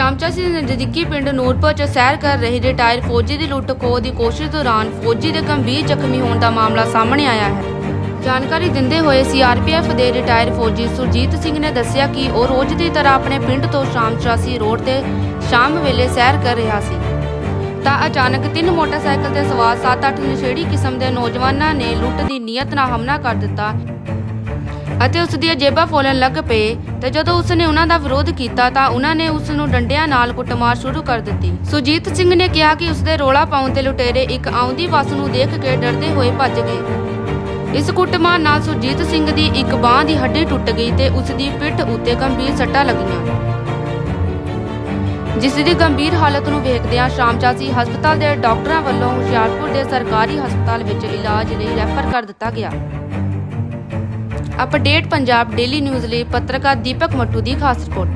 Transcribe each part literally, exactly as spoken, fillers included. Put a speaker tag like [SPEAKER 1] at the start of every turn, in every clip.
[SPEAKER 1] ਸ਼ਾਮਚਾਸੀ ਦੇ ਨਜ਼ਦੀਕੀ ਪਿੰਡ ਨੂਰਪੁਰ 'ਚ ਸੈਰ ਕਰ ਰਹੇ ਰਿਟਾਇਰ ਫੌਜੀ ਦੀ ਲੁੱਟ ਖੋਹ ਦੀ ਕੋਸ਼ਿਸ਼ ਦੌਰਾਨ ਫੌਜੀ ਦੇ ਗੰਭੀਰ ਜ਼ਖਮੀ ਹੋਣ ਦਾ ਮਾਮਲਾ ਸਾਹਮਣੇ ਆਇਆ ਹੈ। ਜਾਣਕਾਰੀ ਦਿੰਦੇ ਹੋਏ ਸੀ ਆਰ ਪੀ ਐਫ ਦੇ ਰਿਟਾਇਰ ਫੌਜੀ ਸੁਰਜੀਤ ਸਿੰਘ ਨੇ ਦੱਸਿਆ ਕਿ ਉਹ ਰੋਜ਼ ਦੀ ਤਰ੍ਹਾਂ ਆਪਣੇ ਪਿੰਡ ਤੋਂ ਸ਼ਾਮਚਾਸੀ ਰੋਡ ਤੇ ਸ਼ਾਮ ਵੇਲੇ ਸੈਰ ਕਰ ਰਿਹਾ ਸੀ ਤਾਂ ਅਚਾਨਕ ਤਿੰਨ ਮੋਟਰਸਾਈਕਲ ਤੇ ਸਵਾਰ ਸੱਤ ਅੱਠ ਨਸ਼ੇੜੀ ਕਿਸਮ ਦੇ ਨੌਜਵਾਨਾਂ ਨੇ ਲੁੱਟ ਦੀ ਨੀਅਤ ਨਾਲ ਹਮਲਾ ਕਰ ਦਿੱਤਾ ਅਤੇ ਉਸ ਦੀਆਂ ਜੇਬਾਂ ਫੋਲਣ ਲੱਗ ਪਏ ਤੇ ਜਦੋਂ ਉਸ ਨੇ ਉਹਨਾਂ ਦਾ ਵਿਰੋਧ ਕੀਤਾ ਤਾਂ ਉਹਨਾਂ ਨੇ ਉਸ ਨੂੰ ਡੰਡਿਆਂ ਨਾਲ ਕੁੱਟਮਾਰ ਸ਼ੁਰੂ ਕਰ ਦਿੱਤੀ। ਸੁਰਜੀਤ ਸਿੰਘ ਨੇ ਕਿਹਾ ਕਿ ਉਸ ਦੇ ਰੋਲਾ ਪਾਉਣ ਤੇ ਲੁਟੇਰੇ ਇੱਕ ਆਉਂਦੀ ਬੱਸ ਨੂੰ ਦੇਖ ਕੇ ਡਰਦੇ ਹੋਏ ਭੱਜ ਗਏ। ਇਸ ਕੁੱਟਮਾਰ ਨਾਲ ਸੁਰਜੀਤ ਸਿੰਘ ਦੀ ਇੱਕ ਬਾਂਹ ਦੀ ਹੱਡੀ ਟੁੱਟ ਗਈ ਤੇ ਉਸ ਦੀ ਪਿੱਠ ਉੱਤੇ ਗੰਭੀਰ ਸੱਟਾਂ ਲੱਗੀਆਂ, ਜਿਸ ਦੀ ਗੰਭੀਰ ਹਾਲਤ ਨੂੰ ਵੇਖਦਿਆਂ ਸ਼ਾਮਚਾਸੀ ਹਸਪਤਾਲ ਦੇ ਡਾਕਟਰਾਂ ਵੱਲੋਂ ਹੁਸ਼ਿਆਰਪੁਰ ਦੇ ਸਰਕਾਰੀ ਹਸਪਤਾਲ ਵਿੱਚ ਇਲਾਜ ਲਈ ਰੈਫਰ ਕਰ ਦਿੱਤਾ ਗਿਆ। ਅਪਡੇਟ ਪੰਜਾਬ ਡੇਲੀ ਨਿਊਜ਼ ਲਈ ਪੱਤਰਕਾਰ ਦੀਪਕ ਮੱਟੂ ਦੀ ਖਾਸ ਰਿਪੋਰਟ।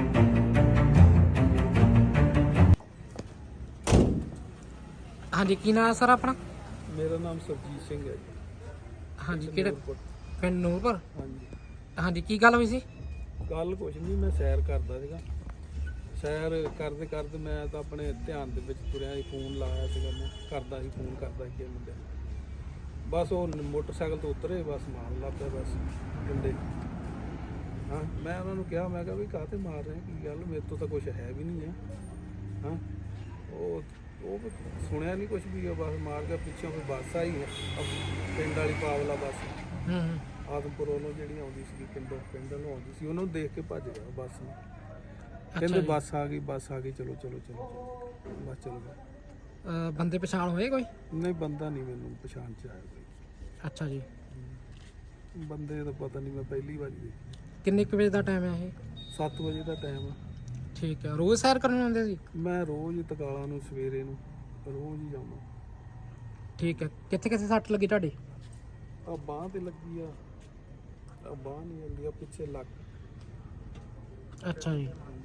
[SPEAKER 2] ਹਾਂਜੀ, ਕੀ ਨਾਮ ਹੈ ਸਰ ਆਪਣਾ?
[SPEAKER 3] ਮੇਰਾ ਨਾਮ ਸਰਜੀਤ ਸਿੰਘ ਹੈ ਜੀ।
[SPEAKER 2] ਹਾਂਜੀ, ਕਿਹੜੇ ਪਿੰਡ ਨੂਰਪੁਰ?
[SPEAKER 3] ਹਾਂਜੀ
[SPEAKER 2] ਹਾਂਜੀ, ਕੀ ਗੱਲ ਹੋਈ ਸੀ?
[SPEAKER 3] ਗੱਲ ਕੁਛ ਨਹੀਂ, ਮੈਂ ਸੈਰ ਕਰਦਾ ਸੀਗਾ। ਸੈਰ ਕਰਦੇ ਕਰਦੇ ਮੈਂ ਤਾਂ ਆਪਣੇ ਧਿਆਨ ਦੇ ਵਿੱਚ ਤੁਰਿਆ ਸੀ, ਫੋਨ ਲਾਇਆ ਸੀਗਾ, ਮੈਂ ਕਰਦਾ ਸੀ ਫੋਨ ਕਰਦਾ ਸੀ ਕਿਸੇ ਮੁੰਡੇ ਨੂੰ। ਬਸ ਉਹ ਮੋਟਰਸਾਈਕਲ ਤੋਂ ਉਤਰੇ, ਬਸ ਮਾਰਨ ਲੱਗ ਪਿਆ ਬਸ ਡੰਡੇ। ਹਾਂ, ਮੈਂ ਉਹਨਾਂ ਨੂੰ ਕਿਹਾ, ਮੈਂ ਕਿਹਾ ਵੀ ਕਾਹਤੇ ਮਾਰ ਰਹੇ, ਕੀ ਗੱਲ, ਮੇਰੇ ਤੋਂ ਤਾਂ ਕੁਛ ਹੈ ਵੀ ਨਹੀਂ ਹੈ। ਹਾਂ, ਉਹ ਉਹ ਸੁਣਿਆ ਨਹੀਂ ਕੁਛ ਵੀ, ਉਹ ਬਸ ਮਾਰ ਕੇ ਪਿੱਛੋਂ ਕੋਈ ਬੱਸ ਆਈ ਹੈ ਪਿੰਡ ਵਾਲੀ ਪਾਵਲਾ ਬੱਸ,
[SPEAKER 2] ਹੂੰ
[SPEAKER 3] ਆਦਮਪੁਰ ਵੱਲੋਂ ਜਿਹੜੀ ਆਉਂਦੀ ਸੀ ਪਿੰਡੋਂ ਪਿੰਡ ਨੂੰ ਆਉਂਦੀ ਸੀ, ਉਹਨੂੰ ਦੇਖ ਕੇ ਭੱਜ ਗਿਆ ਬੱਸ ਨੂੰ। ਕਹਿੰਦੇ ਬੱਸ ਆ ਗਈ ਬੱਸ ਆ ਗਈ ਚਲੋ ਚਲੋ ਚਲੋ ਬਸ ਚਲੋ ਗਏ।
[SPEAKER 2] ਬੰਦੇ ਪਛਾਣ ਹੋਏ ਕੋਈ?
[SPEAKER 3] ਨਹੀਂ, ਬੰਦਾ ਨਹੀਂ ਮੈਨੂੰ ਪਛਾਣ ਚ ਆਇਆ ਕੋਈ।
[SPEAKER 2] ਅੱਛਾ ਜੀ,
[SPEAKER 3] ਬੰਦੇ ਦਾ ਪਤਾ ਨਹੀਂ, ਮੈਂ ਪਹਿਲੀ ਵਾਰੀ ਦੇਖੀ।
[SPEAKER 2] ਕਿੰਨੇ ਕੁ ਵਜੇ ਦਾ ਟਾਈਮ ਹੈ ਇਹ?
[SPEAKER 3] ਸੱਤ ਵਜੇ ਦਾ ਟਾਈਮ ਆ।
[SPEAKER 2] ਠੀਕ ਹੈ, ਰੋਜ਼ ਸੈਰ ਕਰਨ ਆਉਂਦੇ ਸੀ?
[SPEAKER 3] ਮੈਂ ਰੋਜ਼ ਹੀ ਤਕਾਲਾਂ ਨੂੰ ਸਵੇਰੇ ਨੂੰ ਰੋਜ਼ ਹੀ ਜਾਵਾਂ।
[SPEAKER 2] ਠੀਕ ਹੈ, ਕਿੱਥੇ ਕਿੱਥੇ ਸੱਟ ਲੱਗੀ ਤੁਹਾਡੀ?
[SPEAKER 3] ਆ ਬਾਂਹ ਤੇ ਲੱਗੀ ਆ, ਆ ਬਾਂਹ ਨਹੀਂ ਆਉਂਦੀ, ਆ ਪਿੱਛੇ ਲੱਕ।
[SPEAKER 2] ਅੱਛਾ ਜੀ,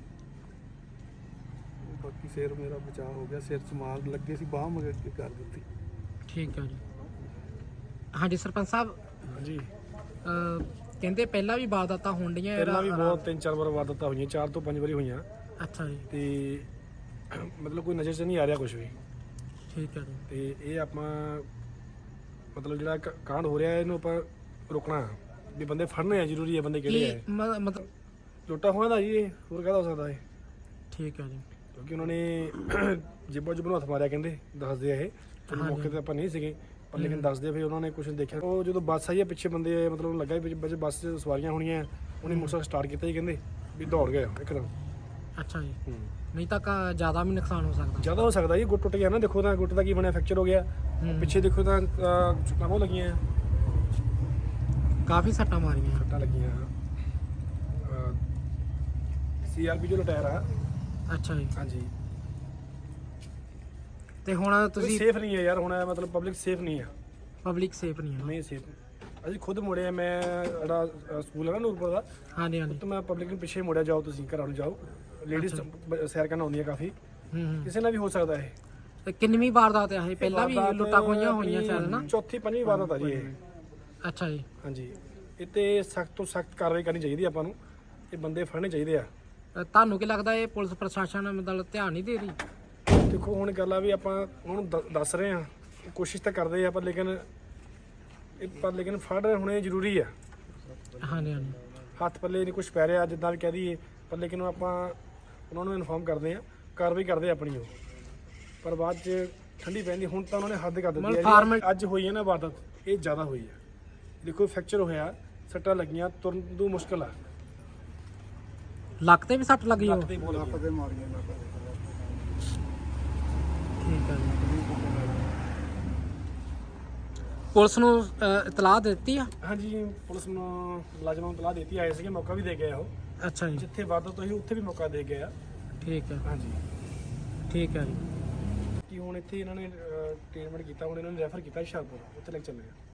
[SPEAKER 3] ਬਾਕੀ ਸਿਰ ਮੇਰਾ ਬਚਾਅ ਹੋ ਗਿਆ, ਸਿਰ 'ਚ ਮਾਰ ਲੱਗੇ ਸੀ, ਬਾਂਹ ਮਗਰ ਕੇ ਕਰ ਦਿੱਤੀ।
[SPEAKER 2] ਠੀਕ ਹੈ ਜੀ। ਹਾਂਜੀ ਸਰਪੰਚ ਸਾਹਿਬ,
[SPEAKER 4] ਹਾਂਜੀ,
[SPEAKER 2] ਕਹਿੰਦੇ ਪਹਿਲਾਂ ਵੀ ਵਾਰਦਾਤਾਂ ਹੋਣ ਡੀਆਂ?
[SPEAKER 4] ਪਹਿਲਾਂ ਵੀ ਬਹੁਤ ਤਿੰਨ ਚਾਰ ਵਾਰ ਵਾਰਦਾਤਾਂ ਹੋਈਆਂ, ਚਾਰ ਤੋਂ ਪੰਜ ਵਾਰੀ ਹੋਈਆਂ।
[SPEAKER 2] ਅੱਛਾ ਜੀ,
[SPEAKER 4] ਤੇ ਮਤਲਬ ਕੋਈ ਨਜ਼ਰ 'ਚ ਨਹੀਂ ਆ ਰਿਹਾ ਕੁਝ ਵੀ।
[SPEAKER 2] ਠੀਕ ਹੈ ਜੀ।
[SPEAKER 4] ਤੇ ਇਹ ਆਪਾਂ ਮਤਲਬ ਜਿਹੜਾ ਕ- ਕਾਂਡ ਹੋ ਰਿਹਾ ਇਹਨੂੰ ਆਪਾਂ ਰੋਕਣਾ ਵੀ, ਬੰਦੇ ਫੜਨੇ ਆ ਜ਼ਰੂਰੀ ਹੈ। ਬੰਦੇ ਕਿਹੜੇ
[SPEAKER 2] ਕੀ
[SPEAKER 4] ਆ?
[SPEAKER 2] ਮ- ਮਤਲਬ?
[SPEAKER 4] ਲੁੱਟਾ ਹੋਇਆ ਦਾ ਜੀ, ਇਹ ਹੋਰ ਕਾਹਦਾ ਹੋ ਸਕਦਾ ਇਹ?
[SPEAKER 2] ਠੀਕ ਹੈ ਜੀ।
[SPEAKER 4] ਕਿਉਂਕਿ ਉਹਨਾਂ ਨੇ ਜੇਬਾਂ 'ਚ ਨੂੰ ਹੱਥ ਮਾਰਿਆ, ਕਹਿੰਦੇ ਦੱਸਦੇ ਆ ਇਹ। ਚਲੋ ਮੌਕੇ ਤੇ ਆਪਾਂ ਨਹੀਂ ਸੀਗੇ, ਪਰ ਲੇਕਿਨ ਦੱਸਦੇ ਫਿਰ ਉਹਨਾਂ ਨੇ ਕੁਝ ਦੇਖਿਆ। ਉਹ ਜਦੋਂ ਬੱਸ ਆਈ ਹੈ ਪਿੱਛੇ ਬੰਦੇ ਮਤਲਬ ਲੱਗਾ ਵੀ ਵਿੱਚ ਬੱਸ 'ਚ ਸਵਾਰੀਆਂ ਹੋਣੀਆਂ, ਉਹਨੇ ਮੋਟਰਸਾਈਕਲ ਸਟਾਰਟ ਕੀਤਾ ਜੀ, ਕਹਿੰਦੇ ਵੀ ਦੌੜ ਗਿਆ ਇੱਕਦਮ।
[SPEAKER 2] ਅੱਛਾ ਜੀ,
[SPEAKER 4] ਹੂੰ,
[SPEAKER 2] ਨਹੀਂ ਤਾਂ ਕਾ ਜ਼ਿਆਦਾ ਵੀ ਨੁਕਸਾਨ ਹੋ ਸਕਦਾ?
[SPEAKER 4] ਜ਼ਿਆਦਾ ਹੋ ਸਕਦਾ ਜੀ, ਗੁੱਟ ਟੁੱਟ ਗਿਆ ਨਾ, ਦੇਖੋ ਤਾਂ ਗੁੱਟ ਦਾ ਕੀ ਬਣਿਆ, ਫ੍ਰੈਕਚਰ ਹੋ ਗਿਆ।
[SPEAKER 2] ਹੂੰ।
[SPEAKER 4] ਪਿੱਛੇ ਦੇਖੋ ਤਾਂ ਚੁੱਕਾਂ ਬਹੁਤ ਲੱਗੀਆਂ,
[SPEAKER 2] ਕਾਫੀ ਸੱਟਾਂ ਮਾਰੀਆਂ?
[SPEAKER 4] ਸੱਟਾਂ ਲੱਗੀਆਂ। ਸੀ ਆਰ ਪੀ ਜੋ ਟਾਇਰ ਆ।
[SPEAKER 2] ਅੱਛਾ ਜੀ,
[SPEAKER 4] ਹਾਂਜੀ,
[SPEAKER 2] ਤੇ ਹੁਣ
[SPEAKER 4] ਤੁਸੀਂ
[SPEAKER 2] ਤੁਸੀਂ
[SPEAKER 4] ਸੇਫ ਨਹੀਂ ਹੈ ਯਾਰ, ਹੁਣ ਇਹ ਮਤਲਬ ਪਬਲਿਕ ਸੇਫ ਨਹੀਂ ਆ।
[SPEAKER 2] ਪਬਲਿਕ ਸੇਫ ਨਹੀਂ ਹੈ?
[SPEAKER 4] ਨਹੀਂ ਸੇਫ। ਅਸੀਂ ਖੁਦ ਮੁੜੇ ਆ, ਮੈਂ ਜਿਹੜਾ ਅ, ਸਕੂਲ ਹੈ ਨਾ ਨੂਰਪੁਰ ਦਾ,
[SPEAKER 2] ਹਾਂਜੀ ਹਾਂਜੀ।
[SPEAKER 4] ਤਾਂ ਮੈਂ ਪਬਲਿਕ ਨੂੰ ਪਿੱਛੇ ਮੁੜਿਆ, ਜਾਓ ਤੁਸੀਂ ਘਰਾਂ ਨੂੰ ਜਾਓ, ਲੇਡੀਜ਼ ਸੈਰ ਕਰਨ ਆਉਂਦੀਆਂ ਕਾਫੀ,
[SPEAKER 2] ਹੂੰ ਹੂੰ।
[SPEAKER 4] ਕਿਸੇ ਨਾਲ ਵੀ ਹੋ ਸਕਦਾ ਇਹ।
[SPEAKER 2] ਤੇ ਕਿੰਨਵੀਂ ਵਾਰਦਾਤ ਹੈ ਇਹ? ਪਹਿਲਾਂ ਵੀ
[SPEAKER 4] ਵਾਰਦਾਤ
[SPEAKER 2] ਲੁੱਟਾਂ ਖੋਹੀਆਂ ਹੋਈਆਂ
[SPEAKER 4] ਆਪਣੀ
[SPEAKER 2] ਚੱਲ ਨਾ?
[SPEAKER 4] ਚੌਥੀ ਪੰਜਵੀਂ ਵਾਰਦਾਤ ਆ ਜੀ ਇਹ।
[SPEAKER 2] ਅੱਛਾ ਜੀ।
[SPEAKER 4] ਹਾਂਜੀ, ਇਹ ਤੇ ਸਖਤ ਤੋਂ ਸਖਤ ਕਾਰਵਾਈ ਕਰਨੀ ਚਾਹੀਦੀ ਆਪਾਂ ਨੂੰ, ਇਹ ਬੰਦੇ ਫੜਨੇ ਚਾਹੀਦੇ ਆ।
[SPEAKER 2] ਅ, ਤੁਹਾਨੂੰ ਕੀ ਲੱਗਦਾ ਇਹ ਪੁਲਿਸ ਪ੍ਰਸ਼ਾਸਨ ਮਤਲਬ ਧਿਆਨ ਨਹੀਂ ਦੇ ਰਹੀ?
[SPEAKER 4] ਦੇਖੋ ਹੁਣ ਗੱਲ ਆ ਵੀ ਆਪਾਂ ਉਹਨਾਂ ਨੂੰ ਦ- ਦੱਸ ਰਹੇ ਆ, ਕੋਸ਼ਿਸ਼ ਤਾਂ ਕਰਦੇ ਆ, ਪਰ ਲੇਕਿਨ ਇਹ ਪਰ ਲੇਕਿਨ ਫੜ ਹੋਣੇ ਜ਼ਰੂਰੀ ਆ।
[SPEAKER 2] ਹਾਂਜੀ ਹਾਂਜੀ।
[SPEAKER 4] ਹੱਥ ਪੱਲੇ ਨਹੀਂ ਕੁਝ ਪੈ ਰਿਹਾ ਜਿੱਦਾਂ ਵੀ ਕਹਿ ਦਈਏ, ਪਰ ਲੇਕਿਨ ਆਪਾਂ ਉਹਨਾਂ ਨੂੰ ਇਨਫੋਰਮ ਕਰਦੇ ਆ, ਕਾਰਵਾਈ ਕਰਦੇ ਆ ਆਪਣੀ ਉਹ, ਪਰ ਬਾਅਦ 'ਚ ਠੰਡੀ ਪੈਂਦੀ। ਹੁਣ ਤਾਂ ਉਹਨਾਂ ਨੇ ਹੱਦ ਕਰ ਦਿੱਤੀ ਹੈ। ਅੱਜ ਹੋਈ ਹੈ ਨਾ ਵਾਰਦਾਤ, ਇਹ ਜ਼ਿਆਦਾ ਹੋਈ ਹੈ। ਦੇਖੋ ਫ੍ਰੈਕਚਰ ਹੋਇਆ, ਸੱਟਾਂ ਲੱਗੀਆਂ, ਤੁਰਨ ਤੋਂ ਮੁਸ਼ਕਿਲ ਆ।
[SPEAKER 2] ਲੱਕ ਤੇ ਵੀ ਸੱਟ ਲੱਗੀ? ਉਹ
[SPEAKER 4] ਲੱਕ ਤੇ ਬਹੁਤ ਲੱਗੀਆਂ।
[SPEAKER 2] ਠੀਕ ਹੈ ਜੀ। ਪੁਲਿਸ ਨੂੰ ਅ, ਇਤਲਾਹ ਦਿੱਤੀ ਆ?
[SPEAKER 4] ਹਾਂਜੀ, ਪੁਲਿਸ ਨੂੰ ਮੁਲਾਜ਼ਮਾਂ ਨੂੰ ਤਲਾਹ ਦਿੱਤੀ, ਆਏ ਸੀਗੇ, ਮੌਕਾ ਵੀ ਦੇ ਗਏ ਉਹ।
[SPEAKER 2] ਅੱਛਾ ਜੀ,
[SPEAKER 4] ਜਿੱਥੇ ਵਾਰਦਾਤ ਹੋਈ ਉੱਥੇ ਵੀ ਮੌਕਾ ਦੇ ਗਏ ਆ।
[SPEAKER 2] ਠੀਕ ਹੈ
[SPEAKER 4] ਹਾਂਜੀ,
[SPEAKER 2] ਠੀਕ ਹੈ ਜੀ।
[SPEAKER 4] ਕਿ ਹੁਣ ਇੱਥੇ ਇਹਨਾਂ ਨੇ ਟ੍ਰੀਟਮੈਂਟ ਕੀਤਾ, ਹੁਣ ਇਹਨਾਂ ਨੇ ਰੈਫਰ ਕੀਤਾ ਹੁਸ਼ਿਆਰਪੁਰ, ਉੱਥੇ ਲੈ ਕੇ ਚੱਲੇ ਆ।